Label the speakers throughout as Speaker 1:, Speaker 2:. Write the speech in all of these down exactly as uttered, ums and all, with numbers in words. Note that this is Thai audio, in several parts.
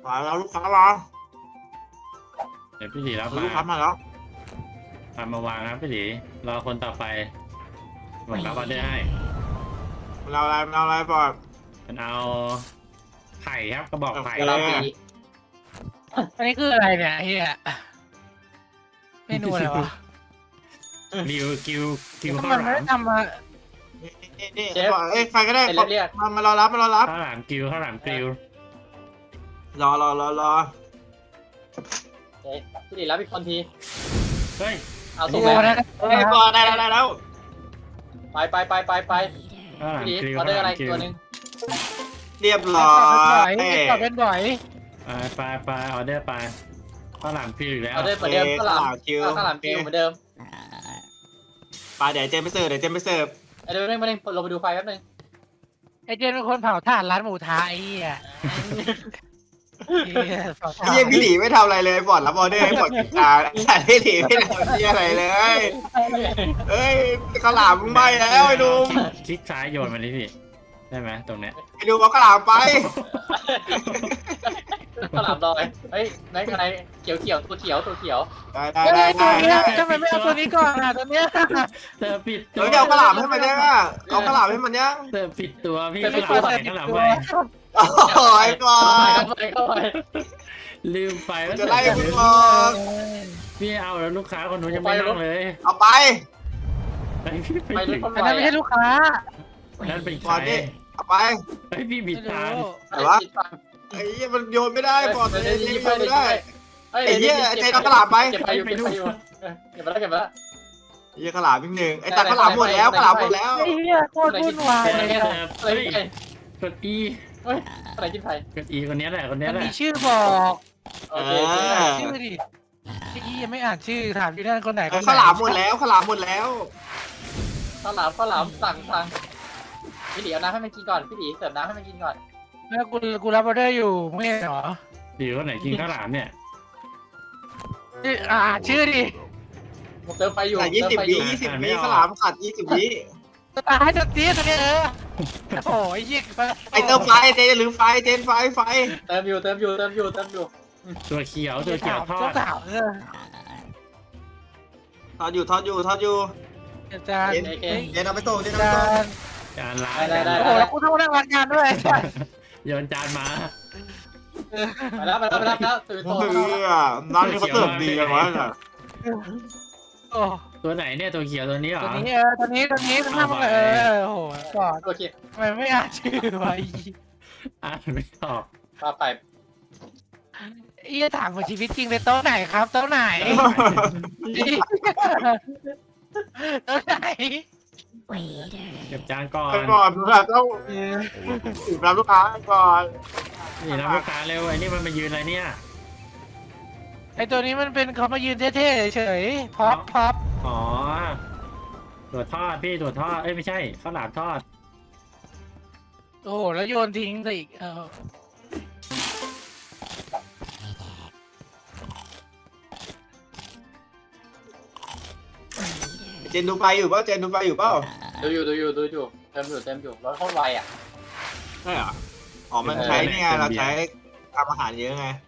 Speaker 1: มาแล้วลูกค้ามา
Speaker 2: เดี๋ยวพี่หลีรับมา
Speaker 1: ลูกค้ามาแล้ว
Speaker 2: ทำมาวางครับพี่หลีรอคนต่อไปหมดรับออเดอร์ให้
Speaker 1: มันเอาอะไรมันเอาอะไรบอด
Speaker 2: มันเอาไข่ครับกระบอกไข่
Speaker 1: อะไร
Speaker 3: อันนี้คืออะไรเนี่ยเฮียเมนูอะไรวะ
Speaker 2: กิวกิวกิวข้าว
Speaker 3: มัน
Speaker 2: ห
Speaker 3: ไม่
Speaker 2: ลาม
Speaker 3: ทำมา
Speaker 1: เชฟเอ้ยใครก็ได้มามารอรับมารอรับ
Speaker 2: ข้าวหลามกิวข้าวหลามกิว
Speaker 1: รอรอรอรอ
Speaker 4: เฮ้ยพี่ดิรับอีกคนที
Speaker 2: เฮ้ย
Speaker 4: เอาส่งแล้ว
Speaker 1: เฮ้ยบอดได้แล้วได้แล้ว
Speaker 4: ไปไปไปไปไปพี่ดิออเดอร์อะไรตัวนึง
Speaker 1: เรียบร้อย
Speaker 3: ตอบเป็นบ่อย
Speaker 2: ไปไปออเดอร์ไปข้าวหลามกิวอีกแล้ว
Speaker 4: ออเดอร์เหมือนเดิมข้าวหลามคิวข้าวหลามคิวเหมือนเดิม
Speaker 1: ไปเดี๋ยวเจนไปเสิร์ฟเดี๋ยวเจนไปเสิร์ฟ
Speaker 4: เดี๋ยวเร่งมาเร่งลงไปดูไฟแป๊บนึง
Speaker 3: ไอเจนเป็นคนเผาถ่านร้านหมูทะไอ้เหี้ย
Speaker 1: เฮียพี่หลีไม่ทำอะไรเลยบอดรับออเดอร์ให้บอดกินจานแต่พี่หลีไม่ทำอะไรเลยเฮ้ยข้าวหลามมึงไม่แล้วไอ้ดู
Speaker 2: คลิกซ้ายโยนมาดิพี่ได้ไหมตรงเนี้ย
Speaker 1: ไอ้ดูเอาข้าวหลามไป
Speaker 4: ข้าวหลามลอยเฮ้ยไหนไหนเขียวเขียวตัวเขียวตัวเขียว
Speaker 1: ได้ได้ได้ได้
Speaker 3: ทำไมไม่เอาตัวนี้ก่อนอ่ะตัวเนี้ย
Speaker 2: เธอปิด
Speaker 1: ตัวเอาข้าวหลามให้มันยังอ่ะเอาข้าวหลามให้มันยัง
Speaker 2: เธอปิดตัวพี่ข้าวหลามใส่ข้าวหลามไป
Speaker 1: โอ้ยก่อน
Speaker 2: ลืมไปว่า
Speaker 1: จะไล่มึงก่อน
Speaker 2: พี่เอาแล้วลูกค้าคนนู้นยังไม่นั่งเลย
Speaker 1: เอาไป
Speaker 4: ไปรถ
Speaker 3: อันนั้นไม่ใช่ลูกค้า
Speaker 2: นั่นเป็นใคร
Speaker 1: เอาไป
Speaker 2: ไอพี่บิดทาง
Speaker 1: แต่ว่าไอ้เหี้ยมันโยนไม่ได้บอลเลยโยนไม่ได้ไอ้เหี้ยไอ้เจนเอาข้าวหลามไป
Speaker 4: เก็บไปอยู่เก็บไปอยู่เก็บไปแล้วเก็บไปแล้ว
Speaker 1: ไอ้เหี้ยข้าวหลามอีกหนึ่งไอ้ตัดข้าวหลามหมดแล้วข้าวหลามหมดแล้ว
Speaker 3: ไอ้เหี้ยโคตรวุ่นวายเลย
Speaker 2: เฮ้ยกดอี
Speaker 4: เฮ้ยอะไรกินไทย
Speaker 2: กดอีคนนี้แหละคนนี้แหละ
Speaker 3: มีชื่อบอก
Speaker 4: โอเค
Speaker 3: ชื่อดิพี่ยังไม่อ่านชื่อถามอยู่นั่นคนไหน
Speaker 1: ข้าวหลามหมดแล้วข้าวหลามหมดแล้ว
Speaker 4: ข้าวหลามข้าวหลามสั่งสั่งพี่ดีเอาน้ำให้มันกินก่อนพี่ดีเสิร์ฟน้ำให้มันกินก่อน
Speaker 3: แล้วกูกูรับออเดอร์อยู่ไม่เหรอ
Speaker 2: ดีคนไหนกินข้าวหลามเนี่ย
Speaker 3: อ่าชื่อดิ
Speaker 4: เติมไฟอยู่
Speaker 1: ยี่สิบวิยี่สิบวิข้าวหลามขาดยี่สิบวิ
Speaker 3: ตายจนตีตัวนี้เออโอ้ยยิง
Speaker 1: ไอเติมไฟเจนหรือไฟเจนไฟไฟ
Speaker 4: เติมอยู่เติมอยู่เติมอยู่เติมอยู่
Speaker 2: ตัวเขียวตัวเขียวทอด
Speaker 1: ทอดอยู่ทอดอยู่ทอดอยู่
Speaker 3: จาน
Speaker 1: เจนเอาไปส่งเจนเอาไปส่ง
Speaker 2: จานล้าง
Speaker 4: ได้ได้
Speaker 3: โอ้แล้วกูต้องนั่งรันงานด้วย
Speaker 2: โยนจานมา
Speaker 4: ไปแล้วไปแล้วไปแล้วแล้วตื่นตัว
Speaker 1: ร้านนี้เขาเสิร์ฟดีกันวะ
Speaker 2: ตัวไหนเนี่ยตัวเขียวตัวนี้เหรอ
Speaker 3: ตัวนี้เออตัวนี้ตัวนี้ทำเออโอ้โหก่อน
Speaker 4: โอเค
Speaker 3: ทำไมไม่อ่านชื่อไว้
Speaker 2: อ่านไม่ออก
Speaker 4: มาไป
Speaker 3: อีจะถามว่าชีวิตจริงเลยโต๊ะไหนครับโต๊ะไหนโต๊ะไหน
Speaker 2: เก็บจานก่อน
Speaker 1: ก่อนแบบต้องรับลูกค้าก่อน
Speaker 2: นี่รับลูกค้าเร็วไอ้นี่มันมายืนอะไรเนี่ย
Speaker 3: ไอตัวนี้มันเป็นเขามายืนเท่ๆเฉยๆพับพับ
Speaker 2: อ๋อตัวทอดพี่ตัวทอดเอ้ยไม่ใช่ข้าวหลามทอด
Speaker 3: โอ้โหแล้วโยนทิ้งซะอีกเออ
Speaker 1: เจนดูไฟอยู่เปล่าเจนดูไฟอยู่เปล่า
Speaker 4: ดูอยู่ดูอยู่ดูอยู่เต็มอยู่เต็มอยู่รถโคตรไวอ่ะ
Speaker 1: ใช่เหรออ๋อมันใช้เนี่ยเราใช้ทำอาหารเยอะไง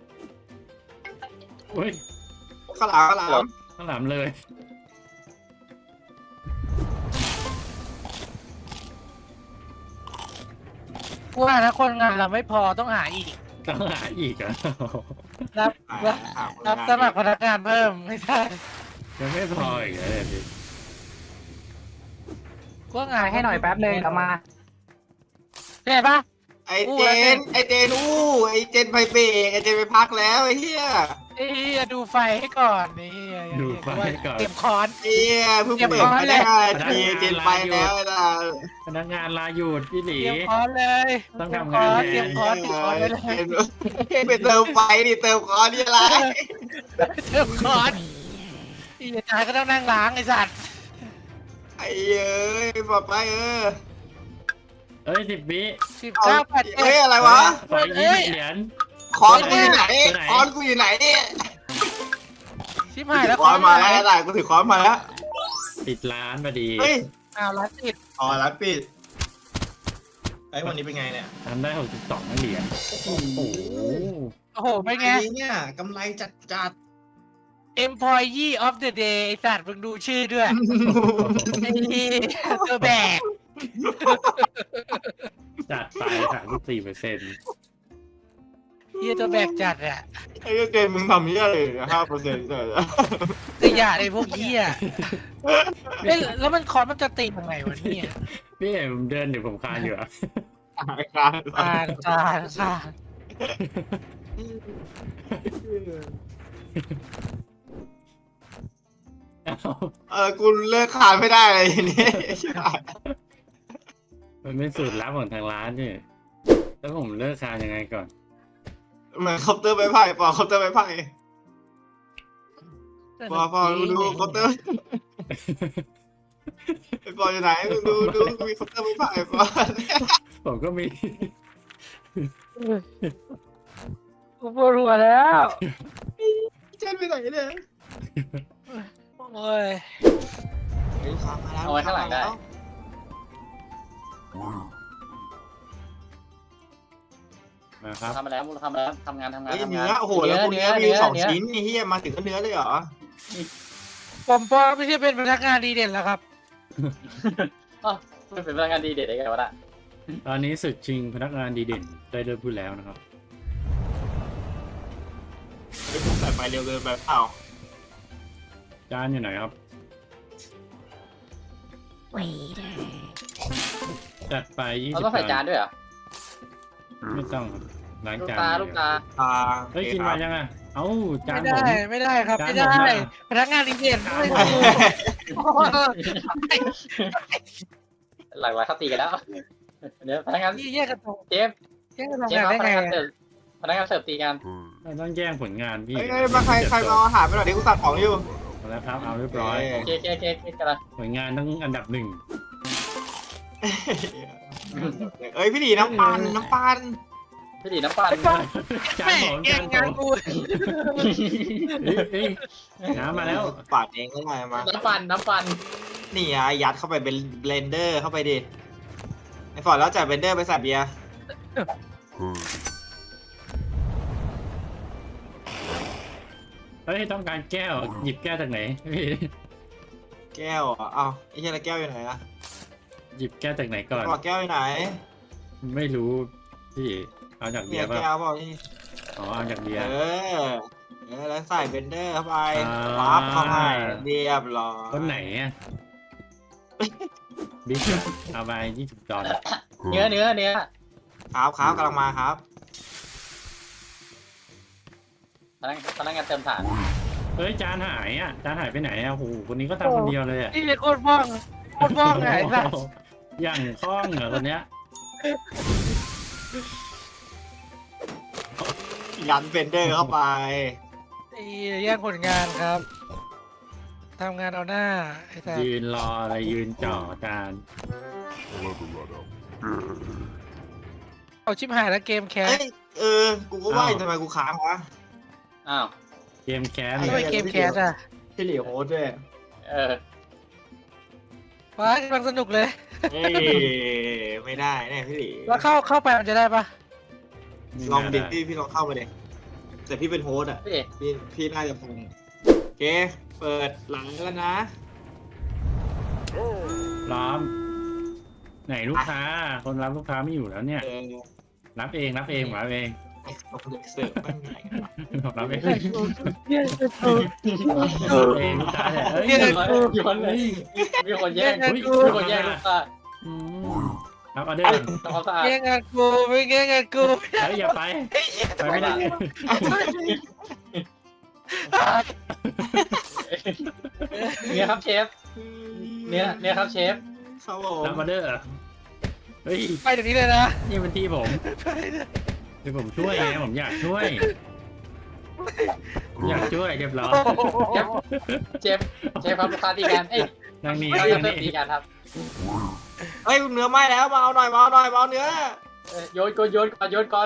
Speaker 2: เฮ้ย
Speaker 1: ข้าวหลามข้าวหลาม
Speaker 2: ข้าวหลามเลย
Speaker 3: กูว่านะคนงานเราไม่พอต้องหาอีก
Speaker 2: ต้องหาอีกอ่ะ
Speaker 3: รับรับสมัครพนักงานเพิ่มไม่ได้
Speaker 2: ยังไม่พออีกเลยพี่
Speaker 3: กูงานให้หน่อยแป๊บนึงเดี๋ยวมาเห็นปะ
Speaker 1: ไอเจนไอเจนอู้ไอเจนไปเบรกไอเจนไปพักแล้วไอเฮีย
Speaker 3: ไอเฮียดูไฟให้ก่อนนี่
Speaker 2: ดูไฟให้ก่อน
Speaker 3: เก็บคอน
Speaker 1: เฮียเพิ่งเปิดไม่ได้ทีเจนไปแล้วนะ
Speaker 2: พนักงานลาหยุดพี่หลี
Speaker 3: เก็บคอนเลย
Speaker 2: ต้องทำงาน
Speaker 3: เก็บคอนเก็บคอนเลย
Speaker 1: ไปเติมไฟดิเติมคอนนี่อะไร
Speaker 3: เติมคอนอีจายก็ต้องนั่งล้างไอสัตว์
Speaker 1: ไอ้เอ้ยบอกไปเออ
Speaker 2: เอ้ยสิบวิ
Speaker 3: สิบเก้าแปด
Speaker 1: เอ้ยอะไรวะ
Speaker 2: ไปยี่สิบเหรียญ
Speaker 1: คอนกูอยู่ไหนคอนกูอยู่ไหนเนี่ย
Speaker 3: ชิบหายแล้ว
Speaker 1: คอนมาแล้วได้กูถือคอนมาแล้ว
Speaker 2: ปิดร้านพอดี
Speaker 1: เฮ้ย
Speaker 3: อ้าวร้านปิด
Speaker 1: อ๋อร้านปิดไอ้วันนี้เป็นไงเนี่ย
Speaker 2: ทำได้หกสิบสองเหรียญโอ้โห
Speaker 3: โอ้โหเป็นไง
Speaker 1: เนี่ยกำไรจัดจัด
Speaker 3: employee of the day ไอสัตว์มึงดูชื่อด้วยไอ้ตัวแบก
Speaker 2: จัดไปสามสิบสี่เปอร์เซ็นต์
Speaker 3: เฮียตัวแบกจัดอะ
Speaker 1: ไอ้เกมมึงทำเหี้ยอะไรห้าเปอร์เซ็นต์เลย
Speaker 3: ขยะไอ้พวกเฮียเอ้ยแล้วมันคอนมันจะติดยังไงวะเนี่ย
Speaker 2: พี่เห็นผมเดินอยู่ผมคานอยู่อะ
Speaker 1: การ
Speaker 3: อ่านอ่านอ่าน
Speaker 2: เอ้า
Speaker 1: เออกูเลิกขายไม่ได้เลยทีนี้
Speaker 2: มันเป็นสูตรลับของทางร้านนี่แล้วผมเลิกคานยังไงก่อน
Speaker 1: เหมือนเคาน์เตอร์ไม้ไผ่ปอเคาน์เตอร์ไม้ไผ่ปอปอดูดูเคาน์เตอร์ไอ้ปออยู่ไหนดูดูดูมีเคาน์เตอร์ไม้ไผ่ปอ
Speaker 2: ผมก็มี
Speaker 3: กูปวดหัวแล้ว
Speaker 1: เจนไปไหนเนี่ย
Speaker 3: โอ้ย
Speaker 1: เฮ้ยขามาแล้ว
Speaker 4: เอาไว้ข้างหลังได้
Speaker 2: มาครับ
Speaker 4: ทำมาแล้วทำมาแล้วทำงานทำงาน
Speaker 1: เฮ้ย
Speaker 4: ทำ
Speaker 1: เนื้
Speaker 4: งาน
Speaker 1: อโอ้โหแล้วคุณเนื้อมีสองชิ้นนี่เฮียมาถึงก็เนื้อเลยเหรอ
Speaker 3: ผมปอไม่ใช่เป็นพนักงานดีเด่นแล้วครับ
Speaker 4: อ๋อไม่เป็นพนักงานดีเด็ดได้ไงวะน่ะ
Speaker 2: ตอนนี้ศึกชิงพนักงานดีเด่นได้เริ่มพูดแล้วนะครับ
Speaker 1: ไอ้พวกสายไฟเร็วเกินไปเปล่า
Speaker 2: จานอยู่ไหนครับ จัดไปยี่
Speaker 4: เรา
Speaker 2: สิบ
Speaker 4: ต้องใส่จานด้วยเหรอ
Speaker 2: ไม่ต้องครับล้าง
Speaker 4: ลูก
Speaker 2: จาน
Speaker 4: ตา
Speaker 2: อย่ง
Speaker 4: ลูก
Speaker 2: เดียว
Speaker 4: ตา
Speaker 1: ตา
Speaker 2: เฮ้ยกินมายังอ่ะเอ้าจาน
Speaker 3: ไม่
Speaker 2: ผ
Speaker 3: ได้
Speaker 2: ม
Speaker 3: ไม่ได้ครับ
Speaker 2: จาน
Speaker 3: ไม่ได้
Speaker 2: ผมอะ
Speaker 3: พนักงานดีเด่นไม่ได้
Speaker 4: หลากหลายเขาตีกันแล้วเดี๋ยวพนักงาน
Speaker 3: ยี่แยกกันตรง
Speaker 4: เจฟ
Speaker 3: แยกกันตรง
Speaker 4: เจฟ
Speaker 3: งาน
Speaker 4: ครับ
Speaker 3: ได้
Speaker 4: พนั
Speaker 3: ไง
Speaker 4: กงานเสิร์ฟพนักงานเสิร์ฟตีกัน
Speaker 2: ไม่ต้องแย่งผลงานพี่
Speaker 1: เฮ้ยมาใครใครมาเอาอาหารไปหน่อยดิกูตัดของอยู่
Speaker 2: เอาแล้วครับเอาเรียบร้อย
Speaker 4: เคเคเคเคกันละ
Speaker 2: ผลงานต้องอันดับหนึ่ง
Speaker 1: เอ้ยพี่ดีน้ำปันน้ำปัน
Speaker 4: พี่ดีน้ำปั่น
Speaker 2: จาน
Speaker 3: แม่
Speaker 2: ผม
Speaker 3: แย่
Speaker 2: จาง นผ
Speaker 3: งาน
Speaker 2: ม
Speaker 3: กู
Speaker 2: เฮ้ยเฮ้ยน้ำมาแล้ว
Speaker 1: ปาดเองก็ได้มา
Speaker 4: น้ำปั่นน้ำปั่น
Speaker 1: นี่อ่ะยัดเข้าไปเป็นเบลนเดอร์เข้าไปดิไอ้ฟอร์ดแล้วจ่ายเบลนเดอร์ไปใส่เบียร์
Speaker 2: เฮ้ยต้องการแก้วหยิบแก้วจากไหนพี่
Speaker 1: แก้วอ่ะเอ้าไอ้เหี้ยแล้วแก้วอยู่ไหนอ่ะ
Speaker 2: หยิบแก้วจากไหนก่อน
Speaker 1: บอกแก้วอยู่ไหน
Speaker 2: ไม่รู้พี่เอาจากเบี
Speaker 1: เนี่ย ย
Speaker 2: ร์ป่ะ
Speaker 1: แก้วบอกนี่
Speaker 2: อ๋อเอาจากเบีย
Speaker 1: เอ
Speaker 2: ร์
Speaker 1: อเออแล้วใส่เบลนเดอร์เข้าไป
Speaker 2: อ่า
Speaker 1: ปั๊บเข้าไปเรียบร้อย
Speaker 2: คนไหนอ่ะบิ๊กเอาไปยี่สิบดอล
Speaker 4: เนื้อเนื้อเนื้อ
Speaker 1: ครับครับกำลังมาครับ
Speaker 4: พนักพนักงานเติมถ่าน
Speaker 2: เฮ้ยจานหายอ่ะจานหายไปไหนอ่ะโอ้โหคนนี้ก็ทำคนเดียวเลยอ่ะ
Speaker 3: นี่เป็นโคตรบ้องโคตรบ้องไงสัส
Speaker 2: อย่างคล่องเหรอคนเนี้ย
Speaker 1: ยันเบลนเดอร์เข้าไป
Speaker 3: ไอ้แย่งผลงานครับทำงานเอาหน้าไอ้สัส
Speaker 2: ยืนรออะไรยืนจ่อจาน
Speaker 3: เอาชิบหายแล้วเกมแคส
Speaker 1: เอ้ยเออ กูก็ว่าทำไมกูค้างวะ
Speaker 4: อ้าว
Speaker 2: เกมแคส
Speaker 1: อ้
Speaker 3: ทำไมเกมแคสอ่ะ
Speaker 1: พี่หลีโฮสด้วย
Speaker 4: เออ
Speaker 3: ว้ากำลังสนุกเลย
Speaker 1: เอ้ยไม่ได้แน่พี่หลี
Speaker 3: แล้วเข้าเข้าไปมันจะได้ปะ
Speaker 1: ลองดิพี่พี่ลองเข้ามาดิแต่พี่เป็นโฮสอ่ะ
Speaker 4: พี่
Speaker 1: พี่พี่น่าจะฟังโอเค เปิดหลังแล้วนะ
Speaker 2: ล้อม ไหนลูกค้า คนรับลูกค้าไม่อยู่แล้วเนี่ย
Speaker 1: เออ
Speaker 2: รับเองรับเองรับเอง
Speaker 1: ไอ้เอาคนเสิร์ฟมันไหนกันวะ
Speaker 2: รับเอง
Speaker 3: เย้กู
Speaker 2: รับเองลูกค้าเนี่ยเอ้ย
Speaker 3: เย้กู
Speaker 4: มีคนเลยมีคนแย่ง
Speaker 3: เย้กู
Speaker 4: มีคนแย่งลูกค้า
Speaker 2: อืมรับออเดอร์
Speaker 4: ทำความสะอาด
Speaker 3: แย่งงานกูไม่แย่งงานกู
Speaker 2: เฮ้ยอย่าไปไปไม่ได้
Speaker 4: เนื้อครับเชฟเนื้อเนื้อครับเชฟ
Speaker 1: ครับผม
Speaker 2: รับออเดอร์เฮ้ย
Speaker 3: ไปเดี๋ยวนี้เลยนะ
Speaker 2: นี่เป็นที่ผมเดี๋ยวผมช่วยไงผมอยากช่วยผมอยากช่วยเรียบร้อย
Speaker 4: เชฟเชฟครับลูกค้าตีกันเอ้ย
Speaker 2: นางนี้
Speaker 4: เรา
Speaker 2: นาง
Speaker 4: จะเสิร์ฟตี
Speaker 2: นี้
Speaker 4: กันครับ
Speaker 1: เฮ้ยเนื้อไหม้แล้วมาเอาหน่อยมาเอาหน่อยมาเอาเนื้อ
Speaker 4: เอ้ยโยนก่อนโยนก่อนโยนก่อน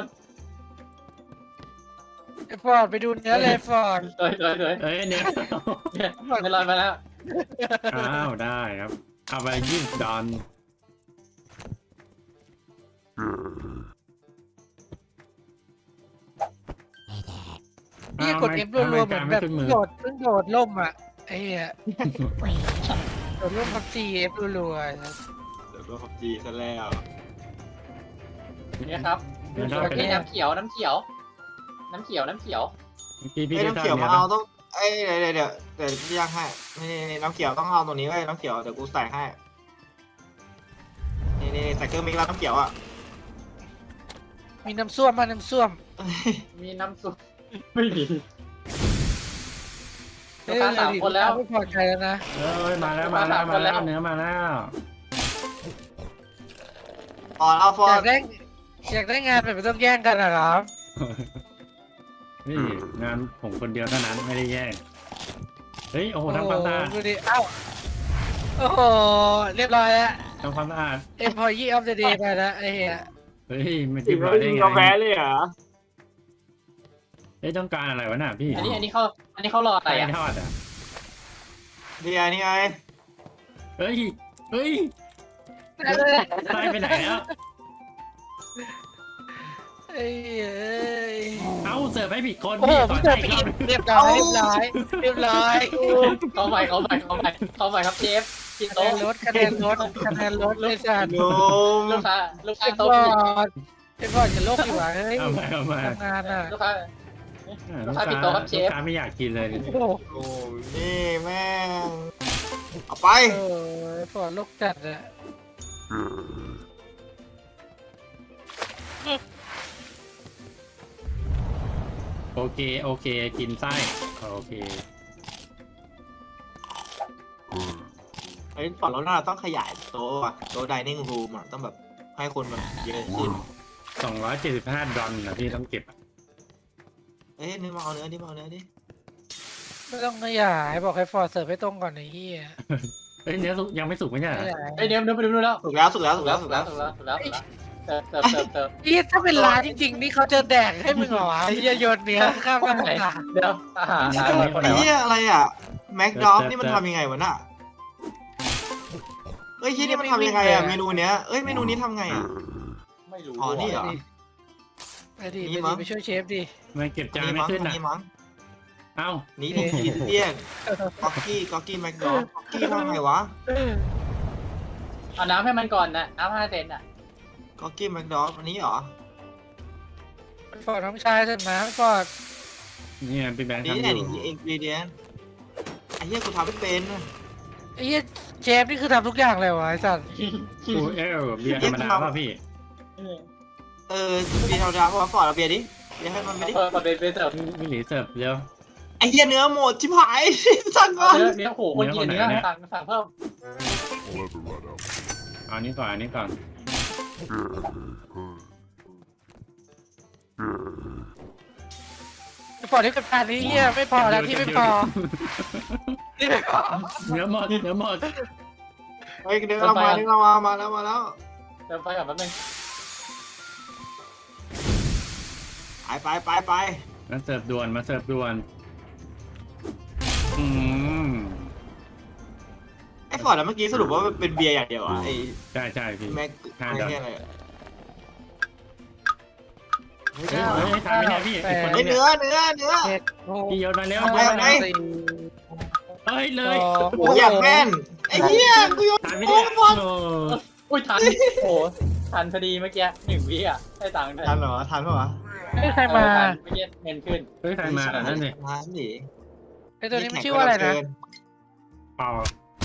Speaker 3: ไอ้ฟอร์ดไปดูเนื้อเลยฟอร์ด
Speaker 4: เลยเลยเลย
Speaker 2: เอ้ยเนี่ย
Speaker 4: เนี่ยไม่ลอยมาแล้ว
Speaker 2: อ้าวได้ครับเอาไปยี่สิบดอล
Speaker 3: นี่กดเอฟรัวๆเหมือนแบบโดดเพิ่งโดดล่มอ่ะไอ้เหี้ยโดดล่มพับจีเอฟรัว
Speaker 1: เดี๋ยวก็พับจีซะแล้ว
Speaker 4: เนี่ยครับ
Speaker 2: เดี๋ยวเรา
Speaker 4: โอ
Speaker 2: ไป
Speaker 4: เคน้ำเขียวน้ำเขียว น้ำเขียวน้ำเขียว
Speaker 2: พี่พี่
Speaker 1: ไอ้ย
Speaker 2: ได้
Speaker 1: น้ำ
Speaker 2: ทำ
Speaker 1: เขียว
Speaker 2: เนี่
Speaker 1: มาย เอาต้องเอ้ยเดี๋ยวเดี๋ยวเดี๋ยวเดี๋ยวพี่ย่างให้นี่นี่นี่น้ำเขียวต้องเอาตรงนี้ไว้ยน้ำเขียวเดี๋ยวกูใส่ให้นี่นี่ใส่เครื่องมิกซ์แล้วน้ำเขียวอ่ะ
Speaker 3: ๆมีน้ำส้วมมาน้ำส้วม
Speaker 4: มีน้ำซุปไม่มี
Speaker 3: เอ้ยไม่พอใจแล้วนะ
Speaker 2: เอ้ยมาแล้วมาแล้วมาแล้วเนื้อมาแล้ว
Speaker 1: อ๋อเอาฟอ
Speaker 3: อยา
Speaker 1: ร์
Speaker 3: กได้อยากได้งานแบบไม่ต้องแย่งกันนะครับ
Speaker 2: นี่งานผมคนเดียวเท่านั้นไม่ได้แย่งเฮ้ยโอ้โหทำความสะอาด
Speaker 3: ดูดิเอ้าโอ้โหเรียบร้อยแล้ว
Speaker 2: ทำความสะอาด
Speaker 3: employee of the day ไปแล้วไอ้เหี้ย
Speaker 2: เฮ้ยไม่ติดร้อยได้ไงเลยเหรอเฮ้ยต้องการอะไรวะน่ะพี่
Speaker 4: อันนี้อันนี้เขาอันนี้เขารออะไร
Speaker 2: ไก่
Speaker 4: อ่ะ
Speaker 2: ทอดอ่ะ
Speaker 1: นี่ไงนี่ไง
Speaker 2: เฮ้ยเฮ้ยตายไปไหนแล้ว
Speaker 3: เอ้ยเอ้ย
Speaker 2: เอ้าเสิร์ฟให้ผิดคน
Speaker 3: โอ้โห
Speaker 2: พี่ขอ
Speaker 3: พี่
Speaker 2: ใจ
Speaker 3: เจอ
Speaker 2: อีก
Speaker 3: ไป
Speaker 2: รอบ
Speaker 3: เรียบร้อยเรียบร้อยเรียบร้อย
Speaker 4: เข้าไปเข้าไปเข้าไปเข้าไปครับเชฟกิน
Speaker 3: คะแน
Speaker 4: โต๊ะ
Speaker 3: นลดคะแนนลดคะแนนลดเลยสัตว์
Speaker 1: โยม
Speaker 4: ลูกค้าลูกค้า
Speaker 3: ไอ้บ
Speaker 4: โต๊ะ
Speaker 3: อดไอ้บอดจะโลกดีกว่าเฮ้ย
Speaker 2: เอามาเอามา
Speaker 3: ทำงานอ่ะ
Speaker 4: ลูกค้า
Speaker 2: ลูก
Speaker 4: ลูก
Speaker 2: ค้า
Speaker 4: ค้าผิดโต๊ะครับเชฟ
Speaker 2: ลูกค้าไม่อยากกินเลย
Speaker 3: โอ้โห
Speaker 1: โอ้นี่แม่งเอาไป
Speaker 3: เออไอ้บอดโลกจัดอะ
Speaker 2: โอเคโอเคกินไส้โอเค
Speaker 1: ไอ้ฝั่งเราหน้าต้องขยายโต๊ะอะโต๊ะ dining room อะต้องแบบให้คนแบบเยอะขึ้น
Speaker 2: สองร้อยเจ็ดสิบห้าดอลนะพี่ต้องเก็บอะ
Speaker 1: เอ้ยนี่มาเอาเนื้อดิมาเอาเนื้อดิ
Speaker 3: ไม่ต้องขยายบอกให้ฟอร์ดเสิร์ฟให้ตรงก่อนไอ้เหี้ย
Speaker 2: เฮ้ยเนื้อสุกยังไม่สุกไม่ใช่เหรอ
Speaker 3: ขยาย
Speaker 4: ไอเดี๋ยวเดี๋ยวไปดูแล้ว
Speaker 1: สุกแล้วสุกแล้วสุกแล้วสุกแล้ว
Speaker 4: ถูกแล้วถูกแล้วถูกแล้วเติมเติมเติมเติม
Speaker 3: เหี้ยถ้าเป็นร้านจริงๆนี่เขาจะแดกให้มึงเหรอวะไอ้เหี้ยโยนเนื้อข้ามหน้าตา
Speaker 4: เดี๋ยวอาหารอาหารคนไหน
Speaker 1: ไอ้
Speaker 4: วะ
Speaker 1: เหี้ยอะไรอ่ะแม็กด็อกนี่มันทำยังไงวะน่ะเอ้ยเหี้ยนี่มันทำยังไงอ่ะเมนูเนี้ยเอ้ยเมนูนี้ทำไงอ่ะ
Speaker 4: ไม่รู้
Speaker 1: อ๋อนี่เหรอ
Speaker 3: ไปดิ
Speaker 1: นี่
Speaker 3: ไป
Speaker 1: มั้
Speaker 3: ดิ
Speaker 1: ง
Speaker 3: ไปช่วยเชฟดิ
Speaker 2: มันเก็บจาน
Speaker 1: นี่
Speaker 2: ไม่
Speaker 1: มั้ง
Speaker 2: ขึ้นอ่ะ
Speaker 1: นี่มั้ง
Speaker 2: เอ้า
Speaker 1: นี่ดิอินเดียนก๊อกกี้ก๊อกกี้แม็กด็อกก๊อกกี้ทำไงวะ
Speaker 4: เอาน้ำให้มันก่อนนะน้ำห้าเซนอ่ะ
Speaker 1: ก๊อกกี้แม็กด็อกอันนี้เหรอ
Speaker 3: ฟอร์ดน้องชายเถอะนะฟอร์ด
Speaker 2: เนี่ยพี่แบงค์
Speaker 1: นี่
Speaker 2: ทำอ
Speaker 1: แหละ
Speaker 2: ยู่
Speaker 1: นี่อินกรีเดียนไอ้เหี้ยกูทำไม่เป็นอะ
Speaker 3: ไอ้เหี้ยเชฟนี่คือทำทุกอย่างเลยวะไอ้สัตว์
Speaker 2: กูเอลเบียร์ธรรมดาป่ะพี่
Speaker 1: เออเบียร์ธรรมดาเพราะว่าฟอร์ดเอาเบียร์ดิเบียร์ให้มันไปดิ
Speaker 4: เออมาเป็นเป็นเสิร์ฟ
Speaker 2: พี่หลีเสิร์ฟเร็ว
Speaker 1: ไอ้เหี้ยเนื้อหมดชิบหาย สั่งก่อน
Speaker 4: เนื้อเนื้อโหคนกินเนื้อสั่งสั่งเพิ่ม
Speaker 2: เอาอันนี้ก่อนอันนี้ก่อน
Speaker 3: ฟอร์ดที่กับการนี้เหี้ยไม่พอแล้วที่ไม่พอที่ไม่พอ
Speaker 2: เนื้อหมดเนื้อหมด
Speaker 1: เฮ้ยเนื้อเรามาเนื้อเรามามาแล้วมาแล้ว
Speaker 4: เติมไฟก่อนแป๊บนึง
Speaker 1: ไปไปไปไป
Speaker 2: มาเสิร์ฟด่วนมาเสิร์ฟด่วนอืม
Speaker 1: ไอ้ฟอร์ดแล้วเมื่อกี้สรุปว่าเป็นเบียร์อย่างเดียวอ่ะไอ้
Speaker 2: ใช่ใช่พี่
Speaker 1: แม็ก
Speaker 2: ห้า
Speaker 1: ไอ้
Speaker 2: ดอก
Speaker 1: เหี้ยอะไรอะเฮ้ย
Speaker 2: เฮ้ยเฮ้ยทำไม่ได้พี่ไอ้คน
Speaker 1: เฮ้ย
Speaker 2: นี้
Speaker 1: เนื้อเนื้อเนื้อ
Speaker 3: เจ็ดหก
Speaker 2: พี่โยนมาเร็ว
Speaker 1: ไป
Speaker 2: โยน
Speaker 1: ไป
Speaker 2: มา
Speaker 3: สี่
Speaker 2: เฮ้ยเลย
Speaker 3: สอง
Speaker 1: โอ้ยอย่างแม่นไอ้เหี้ยกูโยน
Speaker 2: ทานไม่
Speaker 1: โอ้
Speaker 2: ได้
Speaker 1: ยฟอร์ด
Speaker 2: โอ้
Speaker 4: อุ้ยทันโอ้ทันพอดีเมื่อกี้หนึ่งวิอ่ะได้ตังค์เลย
Speaker 1: ทันเหรอทันปะวะ
Speaker 3: ไม่ใครมา
Speaker 4: เมื่อกี้เงินขึ้น
Speaker 2: เฮ้ยใครมาอ่ะนั่นสิ
Speaker 1: ทันดิ
Speaker 3: ไอ้ตัวนี้มันชื่อว่าอะไรนะ
Speaker 2: เปล่า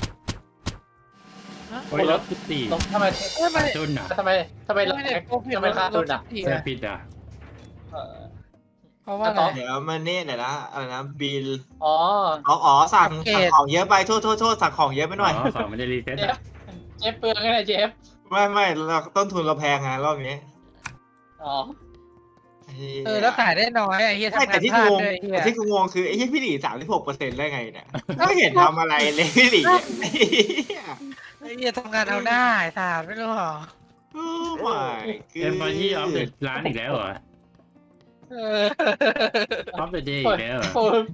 Speaker 2: โอ้ยรถพิตตี้
Speaker 4: ตรงทำไม
Speaker 3: เอ้ยมัน
Speaker 2: จุนอ่ะ
Speaker 4: ทำไมทำไมเรา
Speaker 3: ไม่ได้โกผิด
Speaker 4: ทำไมค่าตุนอ่ะ
Speaker 2: เสื้อปิดอ่ะ
Speaker 4: เออ
Speaker 3: เพราะว่าอะไร
Speaker 1: เดี๋ยวมันนี่เดี๋ยวนะอะไรนะบิล
Speaker 4: อ๋อ
Speaker 1: อ๋ออ๋อสั่ง
Speaker 3: โอเค
Speaker 1: สั่งของเยอะไปโทษโทษโทษสั่งของเยอะไปหน่อย
Speaker 2: อ๋อของมันจะรีเซ็ต
Speaker 4: เจฟ
Speaker 2: อ่ะ
Speaker 4: เจฟเปลืองไงนะเจฟ
Speaker 1: ไม่ไม่เราต้นทุนเราแพงไงรอบนี้
Speaker 4: อ๋อ
Speaker 3: เออแล้วขายได้น้อยไอ้เหี้ย
Speaker 1: ใช่
Speaker 3: ทำงา
Speaker 1: แต่
Speaker 3: น
Speaker 1: ที่
Speaker 3: พลา
Speaker 1: กู
Speaker 3: ด
Speaker 1: งง
Speaker 3: ด้วยไอ้เหี้ย
Speaker 1: แต่ที่กูงงคือไอ้ที่พี่หลีสามสิบหกเปอร์เซ็นต์ได้ไงเนี่ยไม่เห็นทำอะไรเลยพี่หลีเนี่ย
Speaker 3: ไอ้เหี้ยทำงานเอาได้สาดไม่รู้หรอ
Speaker 1: โอ้ my
Speaker 2: เอ็มพอยี่ออฟเดอะร้านอีกแล้วเหรอ
Speaker 3: เออ
Speaker 2: ออฟเดอะเดย์อีกแล้วเหรอ
Speaker 4: ผม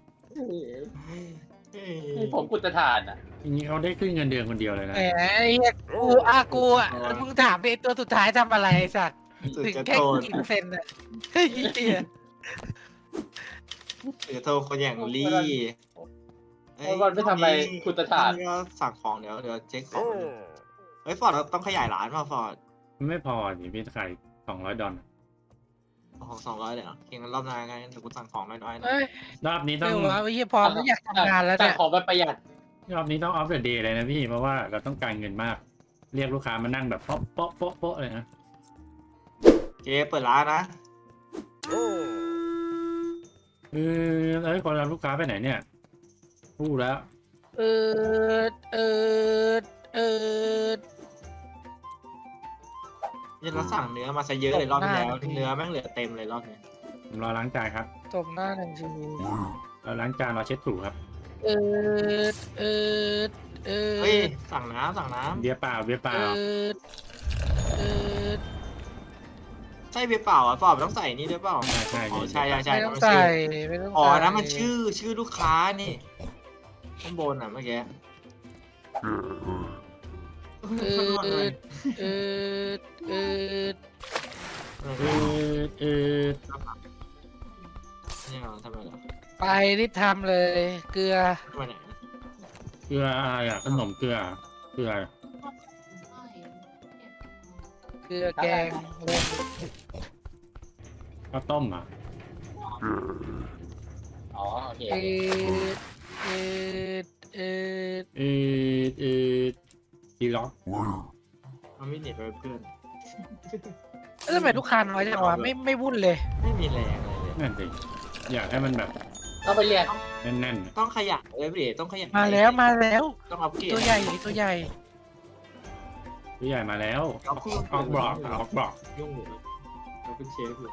Speaker 4: นี่ผมกุตฐานอ่ะ
Speaker 2: ทีนี้เขาได้ขึ้นเงินเดือนคนเดียวเลยนะ
Speaker 3: แหมไอ้เหี้ยกูอากูอ่ะมึงถามไอ้ตัวสุดท้ายทำอะไรไอ้สัตว์
Speaker 1: สุด
Speaker 3: ถึง
Speaker 1: จะ
Speaker 3: แค่
Speaker 1: โทน
Speaker 3: กี่เปอร์เซ็นต์อ่ะเฮ้ยเหี้ย
Speaker 1: เดี๋ยวโทรคนอย่างลี่เอ้ย
Speaker 4: วันไม่ทำอะไรคุณตาชาติ
Speaker 1: ก็สั่งของเดี๋ยวเดี๋ยวเช็คของเฮ้ยฟอร์ดเราต้องขยายร้านป่ะฟอร์ด
Speaker 2: ไม่พอดิพี่ขายสองร้อยดอล
Speaker 1: ของสองร้อยเลยเหรอเก่งกันรอบหน้าไงเดี๋ยวกูสั่งของน้อยๆนะ
Speaker 3: เอ้ย
Speaker 2: รอบนี้ต้
Speaker 3: เดี๋
Speaker 2: อง
Speaker 3: ยววะไอ้เหี้ยพร้อมแล้วอยากทำงานแล้ว
Speaker 4: แต่
Speaker 3: เนี่ย
Speaker 4: ของไปประหยัด
Speaker 2: รอบนี้ต้องออฟเดอะเดย์เลยนะพี่เพราะว่าเราต้องการเงินมาก เรียกลูกค้ามานั่งแบบโป๊ะโป๊ะโป๊ะโป๊ะเลยนะ
Speaker 1: เจ๊เปิดร้านนะ
Speaker 2: เออเอ้ยคนรับลูกค้าไปไหนเนี่ยพูดแล้ว
Speaker 3: เออเออเออ
Speaker 1: ยันเราสั่งเนื้อมาซะเยอะเลยรอบที่แล้วเนื้อแม่งเหลือเต็มเลยรอบนี้
Speaker 2: ผมรอล้างจานครับ
Speaker 3: ตบหน้าหนึ่งที
Speaker 2: เราล้างจานรอเช็ดถูครับ
Speaker 3: เออเออเออ
Speaker 1: เฮ้ยสั่งน้ำสั่งน้
Speaker 2: เบียร์เปล่าเบียร์เป
Speaker 3: เอ
Speaker 2: ล่า
Speaker 3: อเออ
Speaker 1: ำใช่เบียร์เปล่าอ่ะฟอร์ดมันต้องใส่นี่ด้วยเปล่า
Speaker 2: ใช่ใช่
Speaker 1: อ๋อ
Speaker 2: พี่
Speaker 1: ใช่ใช่ใช่
Speaker 3: ไม่ต้อง
Speaker 1: มัน
Speaker 3: ใส่
Speaker 1: ชื่อ
Speaker 3: ไม่ต้อง
Speaker 1: อ๋อ
Speaker 3: ใส่
Speaker 1: นะมันชื่อชื่อลูกค้านี่ข้างบนอ่ะเมื่อกี้
Speaker 3: เออเออเออเออ
Speaker 2: เออเออ
Speaker 1: นี่เราทำไมเหรอ
Speaker 3: ไปรีบทำเลย เกลือ
Speaker 1: ทำไมไหน
Speaker 2: เกลืออะไรอ่ะขนมเกลือเกลือ
Speaker 3: เกลือแกงเล่น
Speaker 2: ข้าวต้มอ่ะ
Speaker 4: อ๋อโอเค
Speaker 3: เออเออเออ
Speaker 2: เออเออดีล็อก
Speaker 1: มันไม่เน็ตไปเพื่อน
Speaker 3: แล้วทำไมลูกค้าน้อยจังวะไม่ไม่วุ่นเลย
Speaker 1: ไม่มีแรงอะไรเลย
Speaker 2: นั่นสิอยากให้มันแบบ
Speaker 4: ต้องไปเรียน
Speaker 2: แน่น
Speaker 1: ต้องขยันเลยพี่เดชต้องขยัน
Speaker 3: มาแล้วมาแล้ว
Speaker 1: ต้องอัพเกรด
Speaker 3: ตัวใหญ่ตัวใหญ่
Speaker 2: ๆผู้ใหญ่มาแล้ว
Speaker 1: เอาคู่
Speaker 2: ออกบล็อกออกบล็อก
Speaker 1: ยุ่งอยู่เราเป็นเชฟอยู่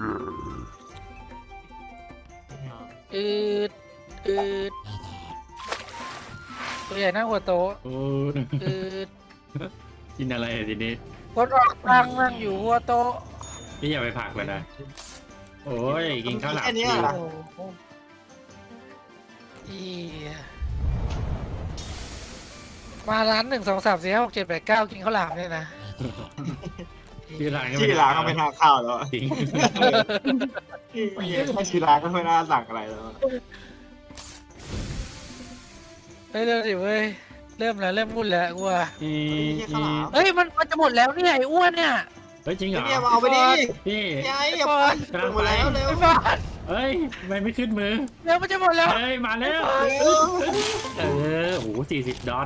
Speaker 3: อืดอืดตัวใหญ่หน้าหัวโตะ
Speaker 2: โอ้
Speaker 3: อืด
Speaker 2: กินอะไรอ่ะทีนี้
Speaker 3: คนออกตังนั่งอยู่หัวโตะ
Speaker 2: พี่อย่าไปผลักเลยนะโอ้ยกินข้าวหลาม
Speaker 1: แค่นี้
Speaker 2: ฟรี
Speaker 1: เหรอ
Speaker 3: โอ้โหอีมาร้านหนึ่งสองสามสี่ห้าหกเจ็ดแปดเก้ากินข้าวหลามเนี่ยนะ
Speaker 2: ชื่อร้านก็
Speaker 1: ชื่อร้านก็ไม่น่าเข้าแล้ว
Speaker 2: จริง
Speaker 1: ถ้าชื่อร้านก็ไม่น่าสั่งอะไรแล้ว
Speaker 3: เฮ้ยเริ่มสิเว้ยเริ่มแล้วเริ่มวุ่นแล้วกูว่า
Speaker 2: อี
Speaker 1: ไม่ใช่ข้าวหลาม
Speaker 3: เฮ้ยมันมันจะหมดแล้วเนี่ยไอ้อ้วนเนี่ย
Speaker 2: เฮ้ยจริงเหรอ
Speaker 1: เนี่ยมาเอาไปดิ
Speaker 2: พี่
Speaker 1: ยายอย่าไปหมดแล้วเร็ว
Speaker 3: ไอ้บ้า
Speaker 2: เฮ้ยทำไมไม่ขึ้นมือ
Speaker 3: เร็วมันจะหมดแล้ว
Speaker 2: เฮ้ยมาแล้วเออโอ้โหสี่สิบดอน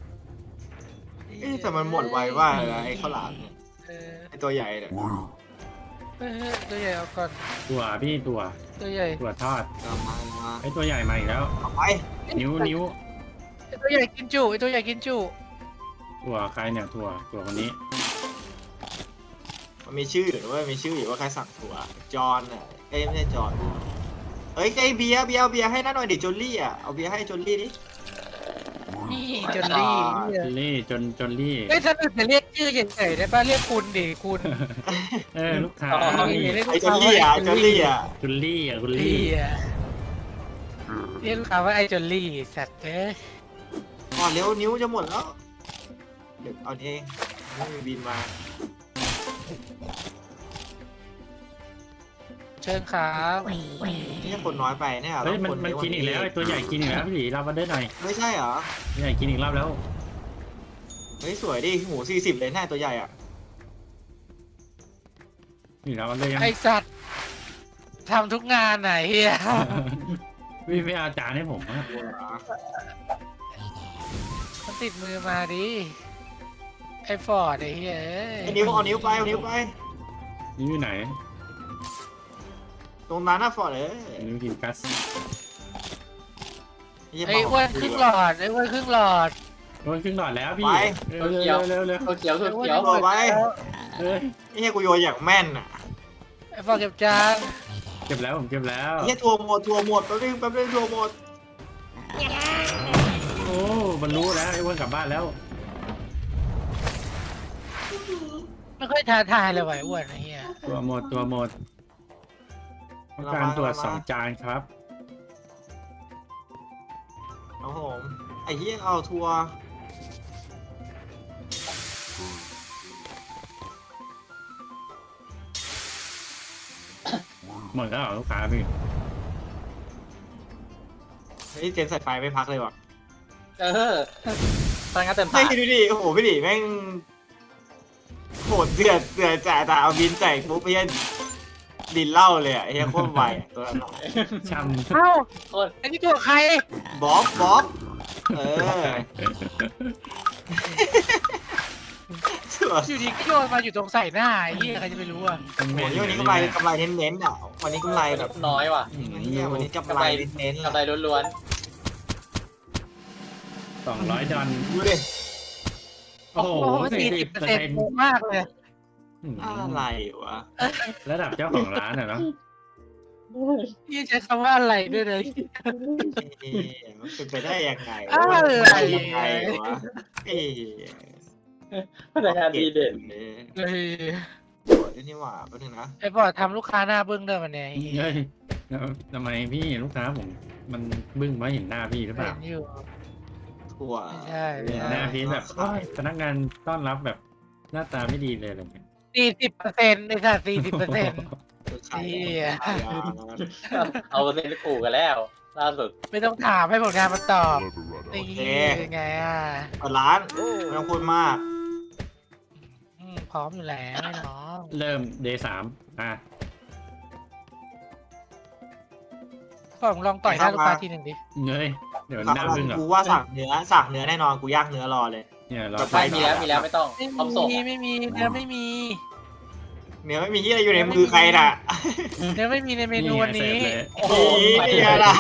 Speaker 1: แต่มันหมดไวว่าไอ้ข้าวหลามเนี่ย
Speaker 3: เออ
Speaker 1: ไอ้ตัวใหญ่เนี่ย
Speaker 3: เฮ้ยตัวใหญ่เอาก่อน
Speaker 2: ตัวพี่ตัว
Speaker 3: ตัวใหญ่
Speaker 2: ตัวทอด
Speaker 1: เอามามา
Speaker 2: ไอ้ตัวใหญ่มาอีกแล้ว
Speaker 1: เอาไป
Speaker 2: นิ้วนิ้ว
Speaker 3: ไอ้ตัวใหญ่กินจุไอ้ตัวใหญ่กินจุ
Speaker 2: ตัวใครเนี่ยตัวตัวคนนี้
Speaker 1: มันมีชื่อหรือว่ามีชื่ออยู่ว่าใครสั่งถั่วจอนอ่ะเอ้ยไม่ใช่จอนเอ้ยไอ้เบียร์เบียร์เอาเบียร์ให้น้าหน่อยดิจอลลี่อ่ะเอาเบียร์ให้จอลลี่ดิ
Speaker 3: นี่จนลี่
Speaker 2: จนลี่จนจนลี่
Speaker 3: เอ้ยฉันอื่นจะเรียกชื่อเฉยๆได้ป่ะเรียกคุณดิคุณ
Speaker 2: เออลูกค้า
Speaker 3: เรียก
Speaker 1: ไอ้จอลลี่อ่ะจอลลี่อ่ะ
Speaker 2: จนลี่อ่ะคุณ
Speaker 3: ลี่
Speaker 2: ลี่
Speaker 3: อะเรียกลูกค้าว่าไอ้จนลี่สัตว์เอ้ย
Speaker 1: ก่อนเร็วนิ้วจะหมดแล้วเดี๋ยวเอาเองไม่มีบินมา
Speaker 3: เชิญขา
Speaker 1: นี่คนน้อยไปเนี่ย
Speaker 2: เฮ้ยมัน
Speaker 1: ต้องค
Speaker 2: มัน
Speaker 1: เยะ
Speaker 2: กินอีกแล้วไอ้ตัวใหญ่กินอีกแล้วพี่หลีรับมาได้หน่อย
Speaker 1: ไม่ใช่เหรอ
Speaker 2: ตัวใหญ่กินอีกรอบแล้ว
Speaker 1: เฮ้ยสวยดิหมูสี่สิบเลยแน่ตัวใหญ่อ่ะ
Speaker 2: นี่รับมาได้ยัง
Speaker 3: ไอ้สัตว์ทำทุกงานไหนเฮีย
Speaker 2: พี่ไม่เอาจานให้ผมอะ
Speaker 3: มันติดมือมาดิไอ้ฟอร์ดไอ้เฮียเอ้ย
Speaker 1: ไอ้นิ้วเอานิ้วไปเอานิ้วไป
Speaker 2: นี่อยู่ไหน
Speaker 1: ตรงนั้นน่ะฟอร์ดเอ้ย
Speaker 2: นิ้วกินกัส
Speaker 3: ไอ้อ้วนครึ่งหลอดไอ้อ้วนครึ่งหลอด
Speaker 2: โดนครึ่งหลอดแล้วพี่เร็วเร็วเร็วเร็ว
Speaker 4: ตัวเขียวตัว
Speaker 3: ไอ้อ้วน
Speaker 4: เขียว
Speaker 3: หมดแล้ว
Speaker 2: เฮ้ย
Speaker 1: นี่ให้กูโยนอย่างแม่นอ่ะ
Speaker 3: ไอ้ฟอร์ดเก็บจาน
Speaker 2: เก็บแล้วผมเก็บแล้ว
Speaker 1: นี่ทัวร์หมดทัวร์หมดแป๊บนึงแป๊บนึงทัวร์หมด
Speaker 2: โอ้บรรลุแล้วไอ้อ้วนกลับบ้านแล้ว
Speaker 3: ไม่ค่อยท้าทายเลยว่ะไอ้อ้วนไอ้เฮีย
Speaker 2: ตัวหมดตัวหมดต้องการตรวจสองจานครับ
Speaker 1: ครับผมไอ้เหี้ยเอาทัวร์
Speaker 2: หมดแล้วเหรอลูกค้าพี่
Speaker 1: เฮ้ยเจนใส่ไฟไม่พักเลยว่ะ
Speaker 4: เออพลังงานเต็ม
Speaker 1: ไม่
Speaker 4: ตา
Speaker 1: ดูดิโอ้โหพี่ดิแม่งโหดเดือดเดือดจ่ายแต่เอาบินใส่ปุ๊บไอ้เหี้ยดินเหล้าเลยอ่ะไอ้เหี้ยโคตรไวอะตัวนั้นอะ
Speaker 2: ช่
Speaker 3: เอ้า
Speaker 4: โคตร
Speaker 3: อันนี้ตัวใคร
Speaker 1: บ๊อบบ๊อบเออสวย
Speaker 3: อยู่ดีก็โยนมาอยู่ตรงใส่หน้าไอ้เหี้ยใครจะไปรู้อ่ะ
Speaker 2: ำ
Speaker 1: โอ้โหนี่วันนี้กำไรกำไรเน้นๆอ่ะวันนี้กำไรแบบ
Speaker 4: น้อยว่ะ
Speaker 1: เหี้ยวันนี้กำไรเน้นๆ
Speaker 4: กำไร
Speaker 1: อะ
Speaker 4: ล้วน
Speaker 2: สองร้อยดอล
Speaker 1: ดูดิ
Speaker 2: โอ้โห
Speaker 3: สี่สิบเปอร์เซ็นต์มากเลย
Speaker 1: อะไรวะ
Speaker 2: ระดับเจ้าของร้านอะเนาะ
Speaker 3: พี่ใช้คำว่าอะไรด้วยเลย
Speaker 1: เอ๊ะมันเป็นไปได้ยังไง
Speaker 3: อะไร
Speaker 1: ยังไงวะเอ๊ะ
Speaker 4: ๆพนักงานดีเด่น
Speaker 3: เลย
Speaker 1: โอ้ยนี่หว่าแป๊บนึงนะ
Speaker 3: ไอ้บอดทำลูกค้าหน้าบึ้งด้วยมันเนี่ย
Speaker 2: เฮ้ยแล้วทำไมพี่ลูกค้าผม มันบึ้งเพราะเห็นหน้าพี่หรือเป
Speaker 3: เห็
Speaker 2: ล่า
Speaker 3: นอยู่
Speaker 1: ถั่ว
Speaker 3: ไม่ใช่
Speaker 2: เห็นหน้าพี่แบบโอ๊ยพนักงานต้อนรับแบบหน้าตาไม่ดีเลยอะไรเงี้ย
Speaker 3: สี่สิบเปอร์เซ็นต์ไอ้สัตว์สี่สิบเปอร์เซ็นต์
Speaker 1: ขาย
Speaker 3: เหี้ย
Speaker 1: ขายยา
Speaker 4: เอาเปอร์เซ็นต์ไปขู่กันแล้ว ล่าสุด
Speaker 3: ไม่ต้องถามให้ผลงานมันตอบนี่เป็นไงอ่ะ
Speaker 1: เปิดร้านไม่ต้องพูดมาก
Speaker 3: อืมพร้อมอยู่แล้วไอ้น้อง
Speaker 2: เริ่มเดย์สามอ่ะ
Speaker 3: ก็ลองต่อยหน้าลูกค้าทีหนึ่งดิ
Speaker 2: เงยเดี๋ยวหน้าบึ้งเหรอ
Speaker 1: กูว่าสั่งเนื้อสั่งเนื้อแน่นอนกูย่างเนื้อรอเลย
Speaker 2: เนี่ยเรา
Speaker 4: ไม่มีแล้วมีแล้วไม่ต้อง
Speaker 3: ไม่
Speaker 4: พร้อมส่ง
Speaker 3: มี
Speaker 4: อะ
Speaker 3: ไม่มีเนื้อไม่มี
Speaker 1: เนื้อไม่มีที่อะไรอยู่ในมือใครน่ะ
Speaker 3: เนื้อไม่มีในเมนูวันนี้
Speaker 2: เสิร์ฟเลย
Speaker 4: โอ้โห
Speaker 1: นี่ไงล่ะ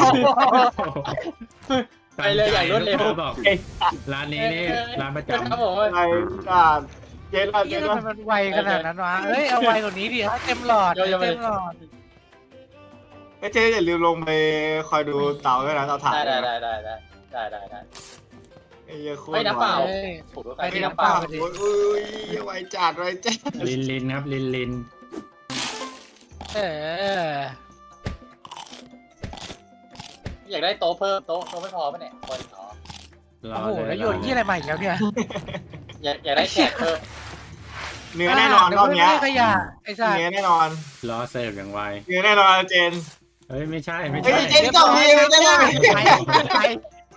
Speaker 4: ไปเลยอย่างรวดเร็ว
Speaker 2: ลูกค้าบอกร้านนี้นี่ร้านประจ
Speaker 4: ครับผม
Speaker 1: อะไรจ้าเจ๊ละ
Speaker 3: เฮ้
Speaker 1: เจ๊
Speaker 3: ย
Speaker 1: ละ
Speaker 3: ทำไมมันไวขนาดนั้นวะเฮ้ยเอาไวกว่านี้ดิให้เต็มหลอดให้เต็มหลอด
Speaker 1: ก็เจ๊อย่าลืมลงไปคอยดูเตาด้วยนะเตาถ่าน
Speaker 4: ได้ได้ได้ได้ได้ได้ได้ได้
Speaker 1: ไอ้เหี้ยโคตร
Speaker 4: ไม่น้ำเปล่า
Speaker 3: เฮ้ย
Speaker 4: ถูกด้วย
Speaker 3: ไป
Speaker 4: กัน
Speaker 3: ที่
Speaker 4: ที่
Speaker 3: น้ำ
Speaker 4: น้ำ
Speaker 3: เป
Speaker 4: เป
Speaker 3: ล่า
Speaker 4: ล่า
Speaker 1: โอ้ยอุ้ยไวจัดไวจัด
Speaker 2: ำลินลินครับลินลิน
Speaker 3: เออ
Speaker 4: อยากได้โต๊ะเพิ่มโต๊ะโต๊ะไม่พอป่ะเนี่ยคนอ๋อ
Speaker 2: รอ
Speaker 3: โอ้โห
Speaker 2: เลย
Speaker 3: แล้วโยนยี่อะไรมาอีกแล้วเนี่ย
Speaker 4: อยากอยากได้แขกเพิ่ม
Speaker 1: เนื้อแน่นอนรอบเนี้ย
Speaker 3: ไม่ขยะไอ้สัตว์
Speaker 1: เนื้อแน่นอน
Speaker 2: รอเสิร์ฟอย่างไว
Speaker 1: เนื้อแน่นอนเจน
Speaker 2: เฮ้ยไม่ใช่ไม่
Speaker 1: เฮ้
Speaker 2: ใช่
Speaker 1: ยเจนต้องมีไม่ได้
Speaker 3: ไปไปไป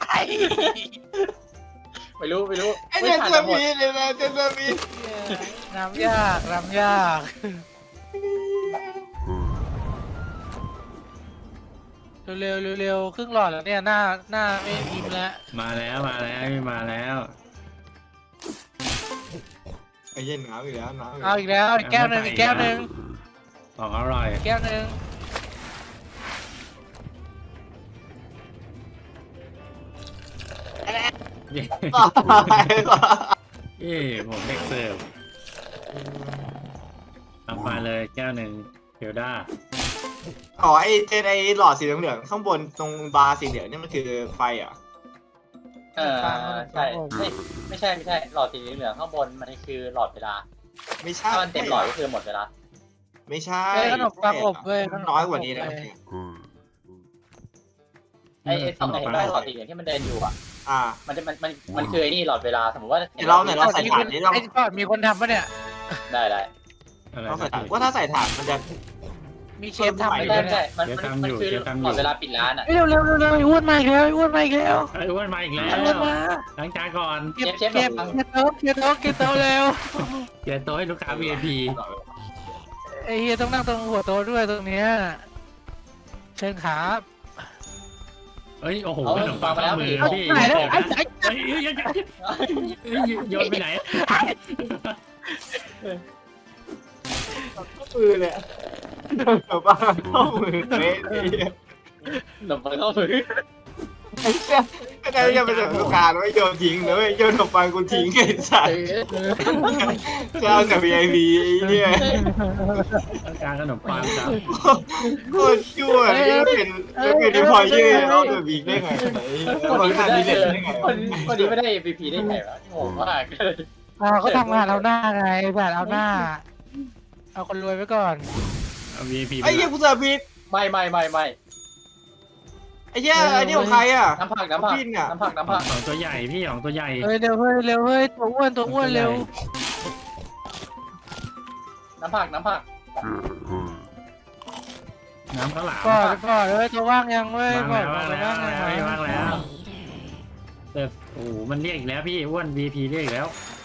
Speaker 4: ไม่รู้ไม่รู้
Speaker 1: ไอ้
Speaker 4: ไม่
Speaker 1: เจน
Speaker 4: ทัน
Speaker 1: จะ
Speaker 4: หมด
Speaker 1: มีเลยนะเจนจะมี
Speaker 3: น้ำยากน้ำยากเร็วๆเร็วๆครึ่งหลอดแล้วเนี่ยหน้าหน้าไม่ยิ้มแล้ว
Speaker 2: มาแล้วมาแล้วมาแล้ว
Speaker 1: ไอ้เย็นน้ำอีกแล้วน้ำ
Speaker 3: เอาอีกแล้วอีกแก้วหนึ่งอีกแก้วหนึ่ง
Speaker 2: ของอร่อย
Speaker 3: แก้วหนึ่ง
Speaker 2: เย้เย้ผมเด็กเสิร์ฟเอามาเลยแก้วหนึ่งเพียวด้า
Speaker 1: อ๋อไอ้เจนไอ้หลอดสีเหลืองๆข้างบนตรงบาร์สีเหลืองนี่มันคือไฟเหรอ่ะ
Speaker 4: เออใช่ไม่ไม่ใช่ไม่ใช่หลอดสีเหลืองข้างบนมันคือหลอดเวลา
Speaker 1: ไม่ใช่
Speaker 4: ถ้ามันเต็มหลอดก็คือหมดเวลา
Speaker 1: ไม่ใช่
Speaker 3: เฮ้ยขนมปังอบเว้ย
Speaker 1: น้อยกว่านี้นะ
Speaker 4: ไอ้ไอ้ตรงไหนได้หลอดสีเหลืองที่มันเดินอยู่อ่ะ
Speaker 1: อ่า
Speaker 4: มันจะมันมันมันคือไอ้นี่หลอดเวลาสมมติว่า
Speaker 1: เดี๋ยวเราเนี่ยเราใส่ถ่านนี่เรา
Speaker 3: ไอ้ก่อนมีคนทำปะเนี่ย
Speaker 4: ได้ได้
Speaker 2: อะไร
Speaker 1: เราใส่
Speaker 2: นะ
Speaker 1: ถ่านว่าถ้าใส่ถ่านมันจะ
Speaker 3: มีเชฟทำ
Speaker 4: ไม่
Speaker 3: ไป
Speaker 4: ได้
Speaker 3: ด้วย
Speaker 4: ไม่
Speaker 3: เนี่
Speaker 4: ได้
Speaker 3: ย
Speaker 4: มันมันมันคือหลอดเวลาปิดร้านอ่ะ
Speaker 3: เร็วเร็วเร็วเร็วอ้วนมาอีกแล้วอ้วนมาอีกแล้ว
Speaker 2: ไอ้อ้วนมาอีกแล้ว
Speaker 3: อ้วนมา
Speaker 2: ล้างจานก่อน
Speaker 3: เก็บเก็บเก็บโต๊ะเก็บโต๊ะเก็บโต๊ะเร็ว
Speaker 2: เกียร์โต๊ะให้ลูกค้า วี ไอ พี
Speaker 3: ไอ้เฮียต้องนั่งตรงหัวโต๊ะด้วยตรงเนี้ยเชิญครับ
Speaker 2: เอ้ยโอ้โหขนมปังข้ามือพี่
Speaker 3: ไหนแล้ว
Speaker 2: เฮ้ยเฮ้ยเฮ้ยเฮ้ยโยนไปไหน
Speaker 1: ข้อมือเลยแบบว่าข้อมือเละไอ้เหี้ย
Speaker 4: หนมปังเข้ามือ
Speaker 1: ไอ้เหี้ยก็ได้ยังเป็นแบบลูกค้าแล้วโยนทิ้งเลยโยนขนมปังกูทิ้งไอ้สัตว์เจ้ากับ วี ไอ พี ไอ้เหี้ย
Speaker 2: ต้องการขนมปังครับ
Speaker 1: โคตรชั่วนี่ก็เป็นก็เป็นดีพอยยืดเอาตัวบีกได้ไงไอ้เหี้ย
Speaker 4: คน
Speaker 1: บริ
Speaker 4: นี้
Speaker 1: ษัท
Speaker 4: ไม่
Speaker 1: ดี
Speaker 4: ได้
Speaker 1: เด่นได้ไง
Speaker 4: คนคนนี้ไม่ได้ เอ พี พี ได้ไงวะงงมาก
Speaker 3: อ่าเขาทำงานเอาหน้าไงแบบเอาหน้า เอาคนรวยไว้ก่อน
Speaker 2: เอา วี ไอ พี
Speaker 1: ไอ้เหี้ยกูเสิร์ฟผิด
Speaker 4: ไม่ไม่ไม่ไม่
Speaker 1: ไอ้เหี้ยไอ้นี่ของใครอ่ะ
Speaker 4: น้ำผักน้ำผัก
Speaker 1: พินอะ
Speaker 4: น้ำผักน้ำ
Speaker 2: ขอ
Speaker 4: ผั
Speaker 2: ง
Speaker 4: ก
Speaker 2: ของตัวใหญ่พี่ของตัวใหญ่
Speaker 3: เฮ้ยเร็วเฮ้ยเร็วเฮ้ยตัวอ้วนตัวอ้วนเร็ว
Speaker 4: น้ำผักน้ำผัก
Speaker 2: น้ำข้าวหลาม
Speaker 3: ก่อนก่อนเลยตัวว่างยังเว้ย
Speaker 2: ว่าง
Speaker 3: ก่อน
Speaker 2: แล้ว
Speaker 3: ตัว
Speaker 2: ว่างแล้ว
Speaker 3: ว่างยัง
Speaker 2: ว่างแล้วแต่โอ้โหมันเรียกอีกแล้วพี่อ้วน วี พี เรียกอีกแล้ว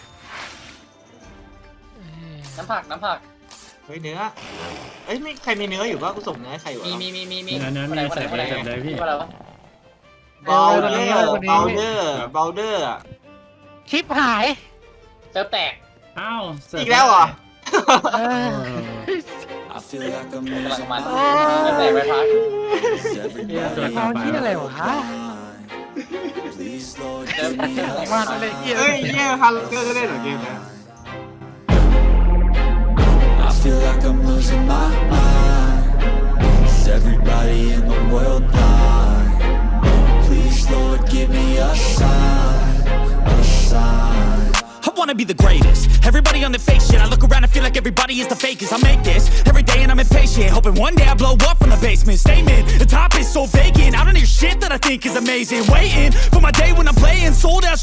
Speaker 4: น้ำผักน้ำผัก
Speaker 1: เฮ้ยเนื้อเอ้ยไม่ใครมีเนื้ออยู่ป่ะกูส่งเนื้อให้ใครวะ
Speaker 4: มีมีมีมีมี
Speaker 2: เนื้อเนื้อ
Speaker 4: คนไหน
Speaker 2: มี
Speaker 4: คนไหน
Speaker 2: เสร็จ
Speaker 4: คนไหน
Speaker 2: เลยเสร็จเลยพี่
Speaker 4: คนอะไรวะ
Speaker 1: เบลเดอร์เบลเดอร์เบลเดอร์
Speaker 3: ชิปหาย
Speaker 4: เซิร์ฟแตก
Speaker 2: อ้าวเสร็จ
Speaker 1: อีกแล้วเหรอ
Speaker 3: เออ
Speaker 5: I feel like I'm
Speaker 4: กำลัง
Speaker 5: losing
Speaker 4: มัน
Speaker 5: my
Speaker 4: เซิร์ฟแตกไปพัก
Speaker 5: Everybody
Speaker 3: เอาที่อะไรวะ
Speaker 5: Please, Lord,
Speaker 4: เซิร์ฟ
Speaker 5: give me a
Speaker 3: มันอะไรเงี้ย
Speaker 1: เฮ้ยเนี่ยฮันเกอร์ก็เล่นเหรอเกมเนี้ย
Speaker 5: I feel like I'm losing my mind. Is everybody in the world blind? Please, Lord, give me a sign, a sign.
Speaker 6: I wanna be the greatest. Everybody on the fake shit. I look around and feel like everybody is the fakest. I make this every day and I'm impatient, hoping one day I blow up from the basement. Statement, the top is so vacant. I don't hear shit that I think is amazing. Waiting for my day when I'm playing sold out